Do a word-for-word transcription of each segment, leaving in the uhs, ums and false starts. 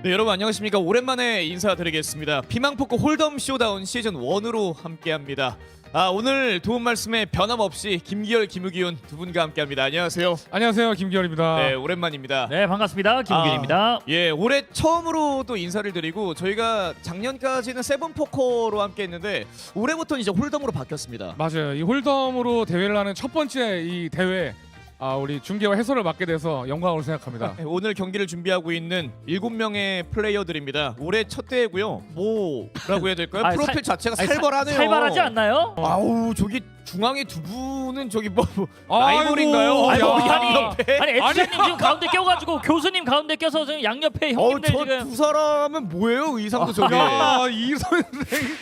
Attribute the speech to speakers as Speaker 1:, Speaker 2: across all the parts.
Speaker 1: 네, 여러분 안녕하십니까. 오랜만에 인사드리겠습니다. 피망포크 홀덤 쇼다운 시즌 일으로 함께합니다. 아, 오늘 도움 말씀에 변함없이 김기열, 김우기훈 두 분과 함께합니다. 안녕하세요.
Speaker 2: 안녕하세요, 김기열입니다.
Speaker 1: 네, 오랜만입니다.
Speaker 3: 네, 반갑습니다. 김우균입니다.
Speaker 1: 아, 예, 올해 처음으로 또 인사를 드리고 저희가 작년까지는 세븐포커로 함께했는데 올해부터는 이제 홀덤으로 바뀌었습니다.
Speaker 2: 맞아요. 이 홀덤으로 대회를 하는 첫 번째 이 대회, 아, 우리 중계와 해설을 맡게 돼서 영광으로 생각합니다.
Speaker 1: 네, 오늘 경기를 준비하고 있는 일곱 명의 플레이어들입니다. 올해 첫 대회고요. 뭐라고 해야 될까요?
Speaker 3: 아니,
Speaker 1: 프로필
Speaker 3: 살-
Speaker 1: 자체가
Speaker 3: 아니, 사-
Speaker 1: 살벌하네요.
Speaker 3: 살벌하지 않나요?
Speaker 1: 아우, 저기 중앙에 두 분은 저기 뭐, 뭐
Speaker 2: 아이고,
Speaker 1: 라이벌인가요?
Speaker 3: 아이고,
Speaker 1: 야,
Speaker 3: 아니,
Speaker 1: 양옆에?
Speaker 3: 아니 에디션님 지금 가운데 껴가지고 교수님 가운데 껴서 지금 양옆에
Speaker 1: 어우,
Speaker 3: 형님들 지금
Speaker 1: 저두 사람은 뭐예요? 의상도 저게.
Speaker 2: 야, 이 선생.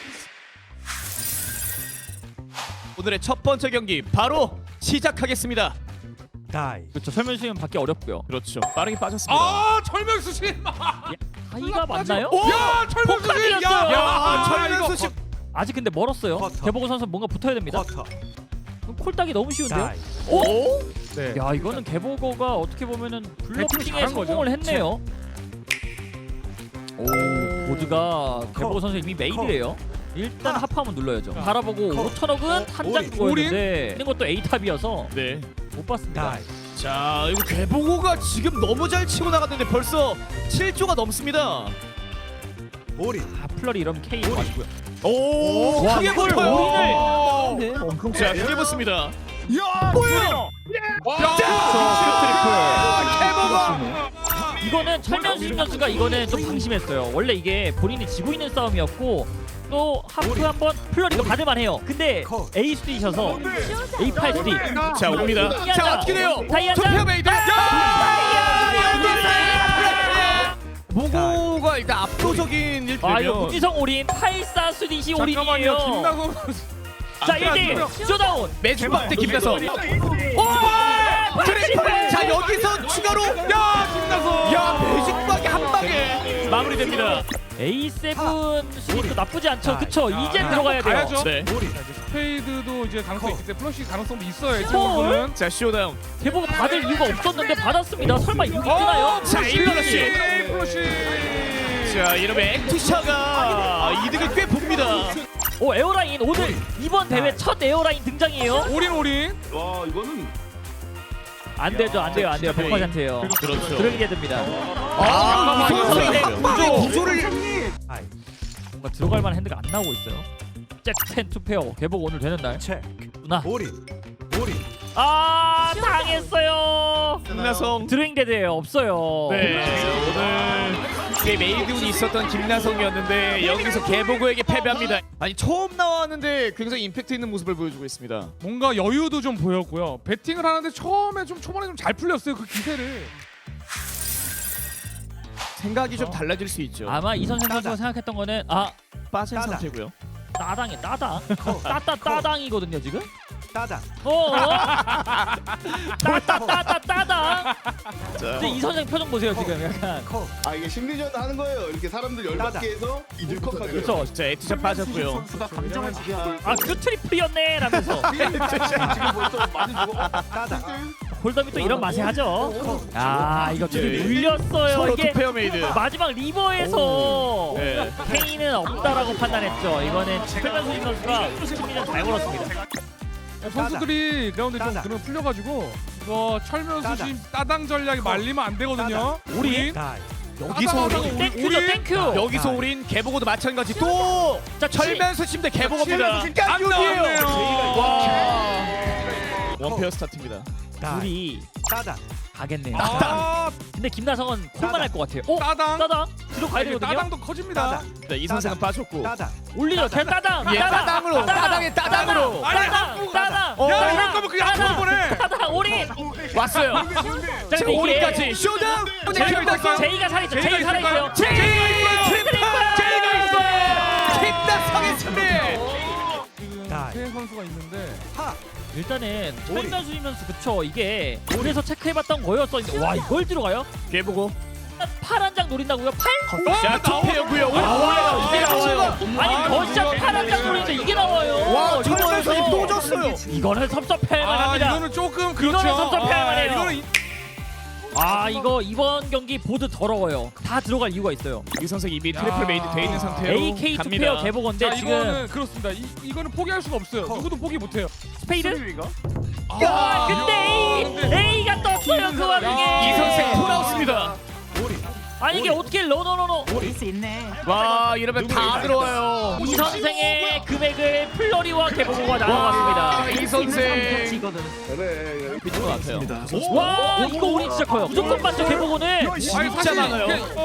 Speaker 1: 오늘의 첫 번째 경기 바로 시작하겠습니다.
Speaker 3: 그렇죠. 설명 수면 받기 어렵고요.
Speaker 1: 그렇죠. 빠르게 빠졌습니다.
Speaker 2: 아, 철명수 씨.
Speaker 3: 다이가 맞나요?
Speaker 2: 야, 철명수 씨.
Speaker 3: 폭탄이었어요.
Speaker 1: 야,
Speaker 2: 아,
Speaker 1: 철면수
Speaker 2: 이거
Speaker 1: 씨.
Speaker 3: 아직 근데 멀었어요.
Speaker 4: 쿼터.
Speaker 3: 개보고 선수 뭔가 붙어야 됩니다.
Speaker 4: 쿼터.
Speaker 3: 콜딱이 너무 쉬운데요?
Speaker 4: 다이.
Speaker 3: 오?
Speaker 2: 네.
Speaker 3: 야, 이거는 개보고가 어떻게 보면은 블로킹에
Speaker 2: 잘한 거죠.
Speaker 3: 성공을 했네요. 오, 보드가 개보고 선수 이미 메인이래요. 일단 하프 한번 눌러야죠. 바라보고
Speaker 4: 컷.
Speaker 3: 오천억은 한 장
Speaker 4: 올인.
Speaker 3: 누워있는데 있는 것도 A탑이어서
Speaker 1: 네.
Speaker 3: 못 봤습니다.
Speaker 4: 다이.
Speaker 1: 자, 이거 개보고가 지금 너무 잘 치고 나갔는데 벌써 칠 조가 넘습니다.
Speaker 4: 올인.
Speaker 3: 아, 플러리 이러면 K 맞고요.
Speaker 1: 오,
Speaker 3: 와,
Speaker 1: 크게
Speaker 3: 이걸
Speaker 1: 붙어요.
Speaker 3: 올인을. 네, 엄청
Speaker 1: 자, 크게 붙습니다.
Speaker 4: 야!
Speaker 1: 뭐예요?
Speaker 3: 자, 이거는 철면수 선수가 이거는 좀 방심했어요. 원래 이게 본인이 지고 있는 싸움이었고 또 하프 한번 플러리가 받을만 해요. 근데 A 수디셔서 A 팔 수디.
Speaker 1: 자, 옵니다. 자, 어떻게 돼요?
Speaker 3: 다이아자.
Speaker 1: 투표 메이드. 모고가 일단 압도적인 일
Speaker 3: 아, 이거
Speaker 1: 되면
Speaker 3: 문지성 올인 팔사 수디시 올인이에요.
Speaker 2: 잠깐만요, 김나성 선수.
Speaker 3: 자, 일 대 일 쇼다운.
Speaker 1: 매주박 대 김나성.
Speaker 3: 오!
Speaker 1: 트리플. 자, 여기서 추가로
Speaker 2: 야, 김나성.
Speaker 1: 야, 매직박이 한 방에 마무리됩니다.
Speaker 3: 에이 세븐 수비도 나쁘지 않죠. 그쵸? 이제 들어가야 돼요.
Speaker 2: 가야죠.
Speaker 1: 네.
Speaker 2: 자, 이제 스페이드도 이제 가능성이 있기 때문에 플러시 가능성도 있어요.
Speaker 3: 헐.
Speaker 2: 이쪽으로는.
Speaker 1: 자, 쇼다운.
Speaker 3: 대보고 받을 이유가 없었는데 받았습니다. 설마 이거 뜨나요?
Speaker 1: 자, 일러러시.
Speaker 2: 플러시.
Speaker 1: 자, 이러면 액투샤가 이득을 꽤 봅니다.
Speaker 3: 오, 에어라인 오늘 이번 대회 첫 에어라인 등장이에요.
Speaker 2: 올인 올인.
Speaker 4: 와, 이거는
Speaker 3: 안 되죠, 안 돼요, 안 돼요. 백 퍼센트예요.
Speaker 1: 그렇죠.
Speaker 3: 들어가게 됩니다.
Speaker 1: 아, 이 선수의 구조 구조를
Speaker 4: 다이.
Speaker 3: 뭔가 들어갈 만한 핸드가 안 나오고 있어요. 잭텐 투페어 개복 오늘 되는 날.
Speaker 4: 체크.
Speaker 3: 누나.
Speaker 4: 올인. 올인.
Speaker 3: 아, 당했어요.
Speaker 1: 김나성.
Speaker 3: 드로잉데드예요. 없어요.
Speaker 1: 네, 오늘 게 메이드운이 있었던 김나성이었는데 여기서 개보고에게 패배합니다. 아니, 처음 나왔는데 굉장히 임팩트 있는 모습을 보여주고 있습니다.
Speaker 2: 뭔가 여유도 좀 보였고요. 배팅을 하는데 처음에 좀 초반에 좀 잘 풀렸어요. 그 기세를.
Speaker 1: 생각이 좀 달라질 수 있죠.
Speaker 3: 아마 이선생 선수가 생각했던 거는 아,
Speaker 1: 빠진
Speaker 4: 따당.
Speaker 1: 상태고요.
Speaker 3: 따당이 따당. 따따 따당이거든요, 지금.
Speaker 4: 따당.
Speaker 3: 어? 따따 따따 따당.
Speaker 1: 자,
Speaker 3: 근데 이선생 표정 보세요, 지금 약간.
Speaker 4: 컷.
Speaker 5: 아 이게 심리전 하는 거예요. 이렇게 사람들 열받게 해서 이들컥하게.
Speaker 3: 그렇죠.
Speaker 1: 자, 에티샷 빠졌고요.
Speaker 4: 선수가 감정을 지켜야.
Speaker 3: 아, 그 트리플이었네 라면서.
Speaker 5: 지금 벌써 많이 죽어.
Speaker 4: 따당.
Speaker 3: 홀덤이 또 이런 맛에 하죠. 아, 이거 좀
Speaker 1: 네.
Speaker 3: 물렸어요.
Speaker 1: 서로
Speaker 3: 이게
Speaker 1: 투페어 메이드.
Speaker 3: 마지막 리버에서
Speaker 1: 네.
Speaker 3: 케인은 없다라고 판단했죠. 이거는 최면수 선수가 승리는 잘 걸었습니다.
Speaker 2: 선수들이 그라운드에 좀
Speaker 4: 따당.
Speaker 2: 그런 풀려가지고 이거 철면수
Speaker 4: 따당.
Speaker 2: 씨 따당 전략이 말리면 안 되거든요.
Speaker 3: 우리
Speaker 4: 다이.
Speaker 1: 여기서 우린
Speaker 3: 땡큐죠, 땡큐.
Speaker 1: 여기서 우린 개보고도 마찬가지. 또
Speaker 3: 자,
Speaker 1: 철면수 침대 개보고입니다.
Speaker 2: 안 나왔네요.
Speaker 1: 와, 원페어 스타트입니다.
Speaker 4: 다이.
Speaker 3: 둘이
Speaker 4: 따당.
Speaker 3: 가겠네요.
Speaker 2: 아,
Speaker 3: 근데 김나성은 콜만
Speaker 4: 따당.
Speaker 3: 할 것 같아요. 오,
Speaker 2: 따당.
Speaker 3: 따당 들어가야
Speaker 2: 이게
Speaker 3: 되거든요.
Speaker 2: 따당도 커집니다.
Speaker 4: 따당.
Speaker 1: 네, 이 선생은 빠졌고.
Speaker 4: 따당.
Speaker 3: 올리죠, 제 따당.
Speaker 1: 예, 따당으로, 따당에 따당으로.
Speaker 2: 아니,
Speaker 3: 따당, 따당.
Speaker 1: 어,
Speaker 2: 야, 이럴 거면 그냥 앞으로 보내.
Speaker 3: 따당, 올인.
Speaker 1: 왔어요.
Speaker 3: 자,
Speaker 1: 자,
Speaker 3: 근데 이게
Speaker 1: 오리까지 쇼다운.
Speaker 2: 제이가 있어요.
Speaker 3: 제이가 살아있죠.
Speaker 2: 제이가
Speaker 3: 제이 살아있어요.
Speaker 2: 있을까요?
Speaker 3: 제이
Speaker 1: 제이가 있어요. 김나성의 승리.
Speaker 2: 지금
Speaker 4: 다이.
Speaker 2: 세 선수가 있는데
Speaker 4: 하.
Speaker 3: 일단은
Speaker 4: 올인.
Speaker 3: 철면 수이면서 그쵸. 이게 올에서 체크해봤던 거였었는데 와, 이걸 들어가요?
Speaker 1: 개보고.
Speaker 3: 파란 장 노린다고요? 팔?
Speaker 1: 자, 투페어고요.
Speaker 3: 아, 나와요. 이게 나와요. 아니,
Speaker 2: 아,
Speaker 3: 더샷
Speaker 2: 이거-
Speaker 3: 파란 장 노리는데 이게 나와요.
Speaker 1: 와, 철면수이
Speaker 3: 리버에서.
Speaker 1: 또 졌어요.
Speaker 3: 이거는 섭섭해할
Speaker 2: 아,
Speaker 3: 만합니다.
Speaker 2: 이거는 조금 그렇죠.
Speaker 3: 이거는 섭섭해할
Speaker 2: 아,
Speaker 3: 만해요.
Speaker 2: 이거는 이-
Speaker 3: 아 이거 이번 경기 보드 더러워요. 다 들어갈 이유가 있어요.
Speaker 1: 이 선수 이미 트리플 메이드 돼 있는 상태로
Speaker 3: 에이케이 투
Speaker 1: 갑니다.
Speaker 3: 페어 개보건데
Speaker 2: 자,
Speaker 3: 지금
Speaker 2: 이거는 그렇습니다. 이, 이거는 포기할 수가 없어요. 누구도 포기 못해요.
Speaker 3: 스페이드?
Speaker 2: 아,
Speaker 3: 야 근데 A, A가 떴어요 그 와중에.
Speaker 1: 이 선생 돌아왔습니다.
Speaker 3: 아니 이게 어떻게 러너러너
Speaker 4: 수 있네.
Speaker 1: 와 이러면 다 들어와요.
Speaker 3: 이 선생의 금액을 플러리와 개보고가 나눠갔습니다.
Speaker 1: 와, 이 선생
Speaker 4: 이거는
Speaker 5: 그래.
Speaker 1: 미친 것 같아요.
Speaker 3: 와 이거 우리 진짜 커요. 무조건 맞죠 개보고는.
Speaker 2: 아니,
Speaker 1: 진짜
Speaker 2: 사실
Speaker 1: 많아요.
Speaker 2: 이게- 어,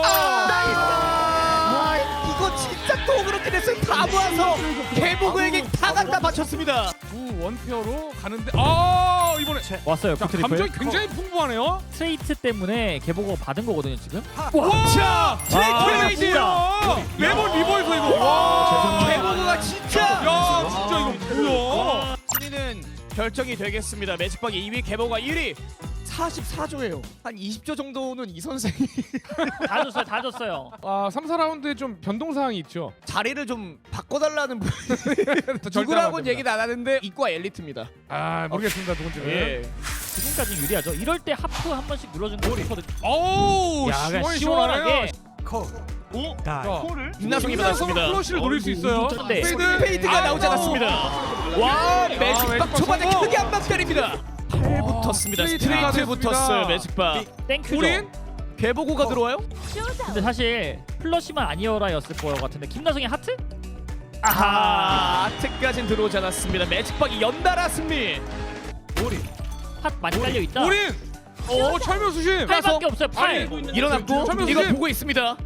Speaker 1: 아, 이거 진짜 또 그렇게 됐어요. 다 모아서 개보고에게 다 갖다 바쳤습니다.
Speaker 2: 두 원페어로 가는데 아 이번에
Speaker 3: 왔어요
Speaker 2: 자,
Speaker 3: 푸트리플.
Speaker 2: 감정이 굉장히 풍부하네요.
Speaker 3: 스트레이트 때문에 개보고 받은 거거든요 지금.
Speaker 1: 자, 트리플 메이드.
Speaker 2: 진짜 매번 리버에서 이거. 와,
Speaker 1: 개보고가 진짜.
Speaker 2: 야 진짜 이거 뭐야?
Speaker 1: 순위는 결정이 되겠습니다. 매직박이 이 위, 개보가 일 위. 사십사 조예요. 한 이십 조 정도는 이 선생이
Speaker 3: 다 줬어요 다 줬어요.
Speaker 2: 아 삼, 사 라운드에 좀 변동 사항이 있죠.
Speaker 1: 자리를 좀 바꿔달라는 분
Speaker 2: 절대 안
Speaker 1: 누구라고는
Speaker 2: 됩니다.
Speaker 1: 얘기는 안 하는데 이과 엘리트입니다.
Speaker 2: 아 모르겠습니다 누군지는.
Speaker 1: 예.
Speaker 3: 지금까지 유리하죠. 이럴 때 하프 한 번씩 눌러준 거 좋거든요.
Speaker 2: 어우
Speaker 3: 야 그냥
Speaker 2: 시원
Speaker 3: 시원하게.
Speaker 2: 시원하게.
Speaker 4: 콜. 다이.
Speaker 2: 자,
Speaker 1: 김나성이
Speaker 2: 김나성은
Speaker 1: 받았습니다.
Speaker 2: 플러시를 노릴 수 있어요.
Speaker 3: 네.
Speaker 2: 스페이드.
Speaker 1: 페이드가 나오지 않았습니다. 와 매직박
Speaker 2: 매직박
Speaker 1: 초반에
Speaker 2: 성공.
Speaker 1: 크게 한 방 때립니다. 팔 붙었습니다.
Speaker 2: 스트레이트가
Speaker 1: 스트레이트 붙었어요.
Speaker 2: 됐습니다.
Speaker 1: 매직박.
Speaker 3: 땡큐죠.
Speaker 2: 우린
Speaker 1: 개보고가 들어와요?
Speaker 3: 근데 사실 플러시만 아니어라였을 거 같은데 김나성의 하트?
Speaker 1: 아하 아트까진 들어오지 않았습니다. 매직박이 연달아 승리.
Speaker 3: 핫 많이 깔려 있다.
Speaker 2: 우린 어 철면 수심.
Speaker 3: 팔밖에 없어요. 팔.
Speaker 1: 일어났고
Speaker 2: 잠깐만요,
Speaker 1: 이거
Speaker 2: 선생님.
Speaker 1: 보고 있습니다.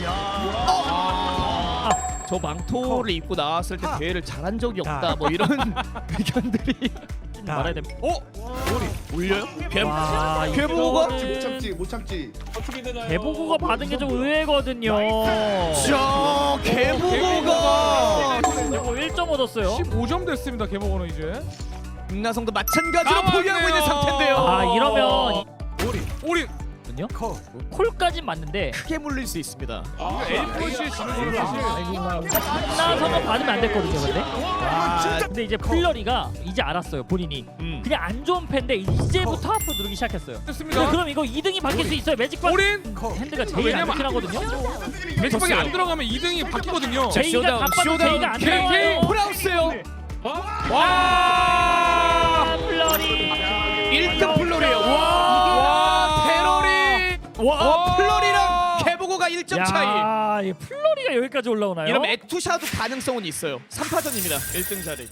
Speaker 1: 어. 저 망토를 입고 나왔을 때 대회를 잘한 적이 없다. 뭐 이런 의견들이
Speaker 3: 말해야 됩니다.
Speaker 1: 어? 올려요? 개
Speaker 3: 와,
Speaker 1: 개보고가?
Speaker 5: 못
Speaker 3: 이거는
Speaker 5: 참지 못 참지.
Speaker 3: 개보고가 받은 게 좀 의외거든요.
Speaker 1: 자 개보고가
Speaker 3: 이거 일 점 얻었어요.
Speaker 2: 십오 점 됐습니다. 개보고는 이제.
Speaker 1: 김나성도 마찬가지로
Speaker 2: 나왔네요.
Speaker 1: 포기하고 있는 상태인데요.
Speaker 3: 아 이러면
Speaker 2: 우린
Speaker 3: 거든요.
Speaker 4: 콜.
Speaker 3: 콜까진 맞는데
Speaker 1: 크게 물릴 수 있습니다.
Speaker 2: 엘프씨에 지는 거는 사실
Speaker 3: 김나성은 받으면 안 됐거든요. 근데. 아, 근데 이제 플러리가 이제 알았어요. 본인이.
Speaker 1: 음.
Speaker 3: 그냥 안 좋은 팬데 이제부터 하프 누르기 시작했어요.
Speaker 2: 됐습니다.
Speaker 3: 네, 그럼 이거 이 등이 바뀔 수 있어요. 매직박.
Speaker 2: 우린
Speaker 3: 핸드가 제일 안
Speaker 2: 왜냐면
Speaker 3: 좋긴 하거든요.
Speaker 2: 매직박이 안 들어가면 이 등이 바뀌거든요.
Speaker 1: 자,
Speaker 3: 제이가
Speaker 1: 쇼다운,
Speaker 3: 바빠도
Speaker 1: 쇼다운,
Speaker 3: 제이가 안
Speaker 1: 케이,
Speaker 3: 들어가요.
Speaker 1: 프라우스요.
Speaker 2: 와!
Speaker 3: 플러리.
Speaker 1: 일 등 플로리에요. 와,
Speaker 2: 와!
Speaker 1: 테러리. 와,
Speaker 2: 와!
Speaker 1: 플로리랑 개보고가 일 점 차이.
Speaker 3: 야, 이 플러리가 여기까지 올라오나요?
Speaker 1: 이러면 에투샤도 가능성은 있어요. 삼 파전입니다. 일 등 자리.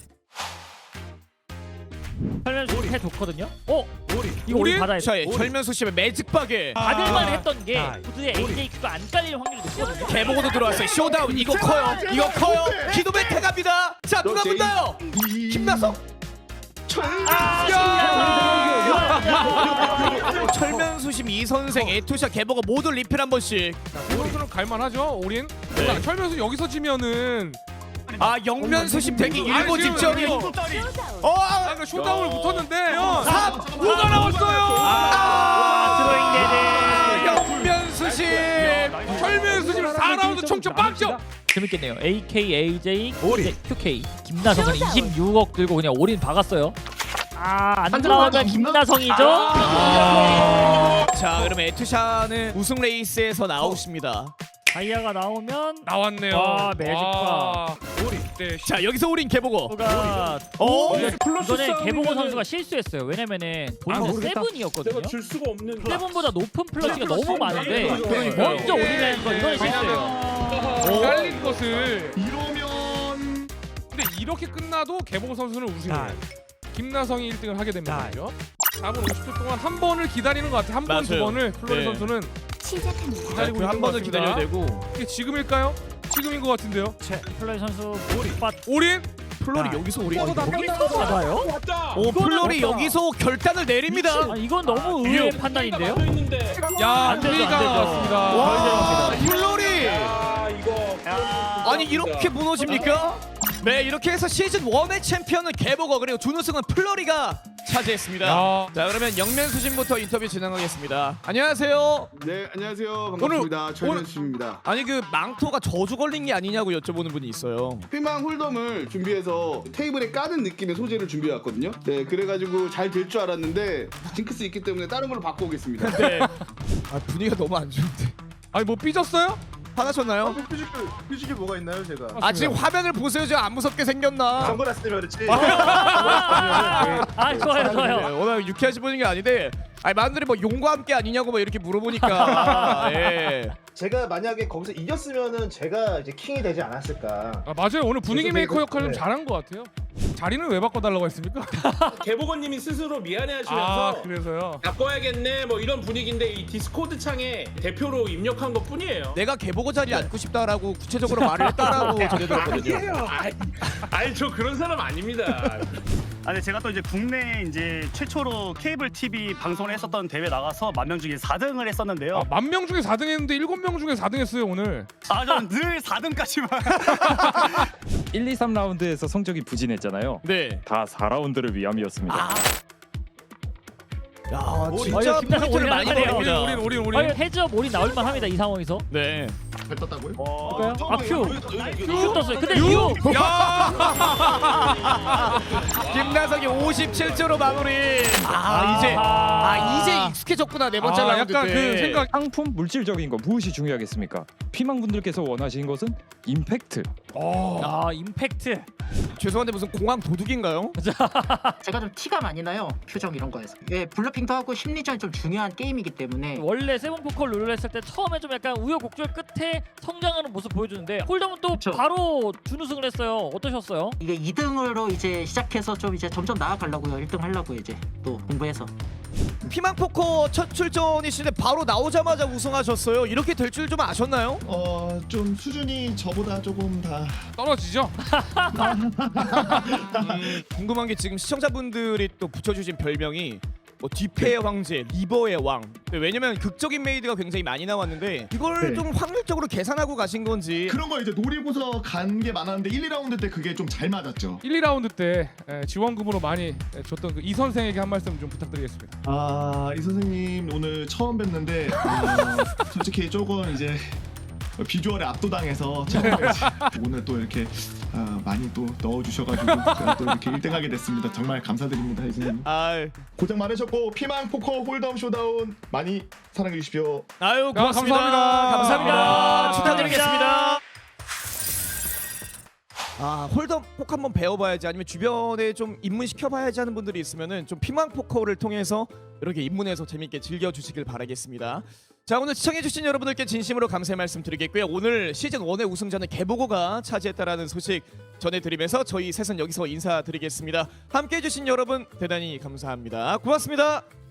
Speaker 3: 설명서 해 좋거든요. 어? 이거
Speaker 2: 우리?
Speaker 3: 우리 받아야 돼.
Speaker 1: 자, 예, 철면수 씨의 매직박에
Speaker 3: 받을만 했던 게
Speaker 4: 아.
Speaker 3: 보드에 에이제이큐가 안 깔릴 확률이 높거든요.
Speaker 1: 개보고도 들어왔어요. 쇼다운 이거 커요. 이거 커요. 기도메테 갑니다. 자, 누가
Speaker 5: 제이.
Speaker 1: 붙나요? 김나성.
Speaker 3: 아,
Speaker 1: 철면수심 이 선생, 에투샤, 개보고 모두 리필 한 번씩.
Speaker 2: 이선수는 갈만하죠. 우린 자, 철면수 여기서 지면은
Speaker 1: 아, 영면수심 되기 일보
Speaker 2: 아니, 지금
Speaker 1: 직전이요.
Speaker 2: 이거-
Speaker 1: 어,
Speaker 2: 아,
Speaker 1: 아,
Speaker 2: 그러니까 쇼다운을 붙었는데
Speaker 1: 삼, 오가 나왔어요.
Speaker 3: 아,
Speaker 1: 아, 영면수심.
Speaker 2: 철면수 지금 사 라운드 총점 빵점.
Speaker 3: 재밌겠네요. 에이케이, 에이제이, 큐케이. 김나성은 이십육억 들고 그냥 올인 박았어요. 아, 안 나오면 김나성이죠?
Speaker 1: 자, 그러면 에투샤는 우승 레이스에서 나오십니다.
Speaker 3: 다이아가 나오면
Speaker 2: 나왔네요.
Speaker 3: 와, 매직박.
Speaker 2: 와. 네,
Speaker 1: 자, 여기서 우린 개보고.
Speaker 3: 가
Speaker 1: 어?
Speaker 3: 이전에 개보고 선수가 실수했어요. 왜냐면은 본인은 세븐이었거든요.
Speaker 6: 줄 수가 없는
Speaker 3: 세븐보다 높은 플러시가 너무 많은데
Speaker 1: 그러니까요.
Speaker 3: 먼저 올인하는 건 이번에 실수예요.
Speaker 2: 어? 깔린 것을
Speaker 5: 이러면
Speaker 2: 근데 이렇게 끝나도 개보고 선수는 우승이에요. 김나성이 일 등을 하게 됩니다. 그죠? 사 분 오십 초 동안 한 번을 기다리는 것 같아요. 한 번, 두
Speaker 1: 맞아요.
Speaker 2: 번을 플로리
Speaker 1: 네.
Speaker 2: 선수는
Speaker 7: 시작합니다.
Speaker 2: 기다리고
Speaker 1: 그
Speaker 2: 있는
Speaker 1: 한
Speaker 2: 것
Speaker 1: 번을
Speaker 2: 같습니다.
Speaker 1: 기다려야 되고.
Speaker 2: 이게 지금일까요? 지금인 것 같은데요.
Speaker 3: 플러리 선수 빠
Speaker 2: 올인?
Speaker 1: 플로리 여기서 우리.
Speaker 3: 여기서 받아요?
Speaker 6: 왔다.
Speaker 1: 오, 플로리 여기서 결단을 내립니다.
Speaker 3: 아, 이건 너무 의외의 판단인데요.
Speaker 6: 있는데.
Speaker 2: 야,
Speaker 3: 안 되죠,
Speaker 2: 플레이가
Speaker 3: 안 되죠.
Speaker 2: 왔습니다.
Speaker 1: 와, 플로리.
Speaker 6: 아 이거.
Speaker 1: 아니 이렇게 무너집니까? 네, 이렇게 해서 시즌 일의 챔피언은 개보거, 그리고 준우승은 플로리가 차지했습니다.
Speaker 2: 야.
Speaker 1: 자 그러면 영면수심부터 인터뷰 진행하겠습니다. 안녕하세요.
Speaker 5: 네, 안녕하세요. 반갑습니다.
Speaker 1: 오늘-
Speaker 5: 최현수입니다.
Speaker 1: 아니 그 망토가 저주 걸린 게 아니냐고 여쭤보는 분이 있어요.
Speaker 5: 피망 홀덤을 준비해서 테이블에 까는 느낌의 소재를 준비해 왔거든요. 네, 그래가지고 잘 될 줄 알았는데 징크스 있기 때문에 다른 걸로 바꿔오겠습니다.
Speaker 1: 네. 아 분위기가 너무 안 좋은데.
Speaker 2: 아니 뭐 삐졌어요?
Speaker 1: 화나셨나요?
Speaker 6: 뮤직이 뮤직이 뭐가 있나요, 제가?
Speaker 1: 아 지금 화면을 보세요. 지금 안 무섭게 생겼나?
Speaker 6: 선글라스 때문에 그렇지.
Speaker 3: 아 좋아요
Speaker 1: 네,
Speaker 3: 좋아요.
Speaker 1: 워낙 유쾌하신 분인 게 아닌데 아니 만들이 뭐 용과 함께 아니냐고 막 이렇게 물어보니까 예.
Speaker 6: 제가 만약에 거기서 이겼으면은 제가 이제 킹이 되지 않았을까.
Speaker 2: 아 맞아요. 오늘 분위기
Speaker 6: 그래서
Speaker 2: 메이커
Speaker 6: 이거-
Speaker 2: 역할을 좀
Speaker 6: 네.
Speaker 2: 잘한 것 같아요. 자리는 왜 바꿔달라고 했습니까?
Speaker 7: 개보건님이 스스로
Speaker 2: 아
Speaker 7: 미안해하시면서
Speaker 2: 그래서요.
Speaker 7: 바꿔야겠네 뭐 이런 분위기인데 이 디스코드 창에 대표로 입력한 것 뿐이에요.
Speaker 1: 내가 개보고 자리에 앉고 싶다라고 구체적으로 말을 했다라고 전해 들었거든요.
Speaker 7: 아이, 아이 저 그런 사람 아닙니다.
Speaker 8: 아, 네, 제가 또 이제 국내 이제 최초로 케이블 티비 방송을 했었던 대회 나가서 만 명 중에 사 등을 했었는데요.
Speaker 2: 아, 만 명 중에 사 등 했는데 일곱 명 중에 사 등 했어요 오늘.
Speaker 8: 아, 저는 늘 사 등까지만.
Speaker 9: 일, 이, 삼 라운드에서 성적이 부진했잖아요.
Speaker 1: 네.
Speaker 9: 다 사 라운드를 위함이었습니다.
Speaker 1: 야
Speaker 3: 아,
Speaker 1: 진짜
Speaker 3: 이거 김나성
Speaker 1: 포인트를 많이
Speaker 3: 올려놨네요.
Speaker 2: 우린
Speaker 1: 먹습니다.
Speaker 2: 우린 우린
Speaker 3: 아니
Speaker 2: 우린.
Speaker 3: 해저 몰이 나올만 합니다 이 상황에서.
Speaker 1: 네.
Speaker 5: 잘 떴다고요?
Speaker 3: 볼까요? 아 큐.
Speaker 5: 큐.
Speaker 3: 큐 떴어요. 근데 유.
Speaker 1: 김나성이 오십칠 조로 마무리. 아 이제 아 이제 익숙해졌구나 네 번째
Speaker 2: 아,
Speaker 1: 라운드
Speaker 2: 약간
Speaker 1: 때.
Speaker 2: 그 생각.
Speaker 9: 상품 물질적인 거 무엇이 중요하겠습니까? 피망분들께서 원하시는 것은 임팩트.
Speaker 2: 어.
Speaker 3: 아 임팩트.
Speaker 1: 죄송한데 무슨 공항 도둑인가요?
Speaker 10: 제가 좀 티가 많이 나요, 표정 이런 거에서. 예, 블러핑도 하고 심리전이 좀 중요한 게임이기 때문에.
Speaker 3: 원래 세븐 포커 룰을 했을 때 처음에 좀 약간 우여곡절 끝에 성장하는 모습 보여주는데 홀덤은 또
Speaker 10: 그쵸.
Speaker 3: 바로 준우승을 했어요. 어떠셨어요?
Speaker 10: 이게 이 등으로 이제 시작해서 좀 이제 점점 나아가려고요. 일 등 하려고 이제 또 공부해서.
Speaker 1: 피망 포커 첫 출전이신데 바로 나오자마자 우승하셨어요. 이렇게 될 줄 좀 아셨나요?
Speaker 11: 어, 좀 수준이 저보다 조금 다
Speaker 2: 떨어지죠?
Speaker 1: 음, 궁금한 게 지금 시청자분들이 또 붙여주신 별명이 뭐 뒤패의 황제, 리버의 왕. 왜냐면 극적인 메이드가 굉장히 많이 나왔는데 이걸
Speaker 11: 네.
Speaker 1: 좀 확률적으로 계산하고 가신 건지.
Speaker 11: 그런 거 이제 노리고서 간 게 많았는데 일, 이 라운드 때 그게 좀 잘 맞았죠.
Speaker 2: 일, 이 라운드 때 에, 지원금으로 많이 에, 줬던 그 이 선생에게 한 말씀 좀 부탁드리겠습니다.
Speaker 11: 아, 이 선생님 오늘 처음 뵀는데 어, 솔직히 조금 이제 비주얼에 압도당해서 처음에 오늘 또 이렇게 아, 많이 또 넣어주셔가지고 제가 또 이렇게 일 등하게 됐습니다. 정말 감사드립니다, 이 선생님.
Speaker 1: 아,
Speaker 11: 고생 많으셨고 피망 포커 홀덤 쇼다운 많이 사랑해 주십시오.
Speaker 1: 아유 고맙습니다.
Speaker 2: 감사합니다.
Speaker 1: 감사합니다.
Speaker 3: 감사합니다.
Speaker 1: 축하드리겠습니다. 아 홀덤 포커 한번 배워봐야지 아니면 주변에 좀 입문시켜봐야지 하는 분들이 있으면은 좀 피망 포커를 통해서 이렇게 입문해서 재밌게 즐겨주시길 바라겠습니다. 자 오늘 시청해주신 여러분들께 진심으로 감사의 말씀 드리겠고요. 오늘 시즌 일의 우승자는 개보고가 차지했다라는 소식 전해드리면서 저희 셋은 여기서 인사드리겠습니다. 함께해주신 여러분 대단히 감사합니다. 고맙습니다.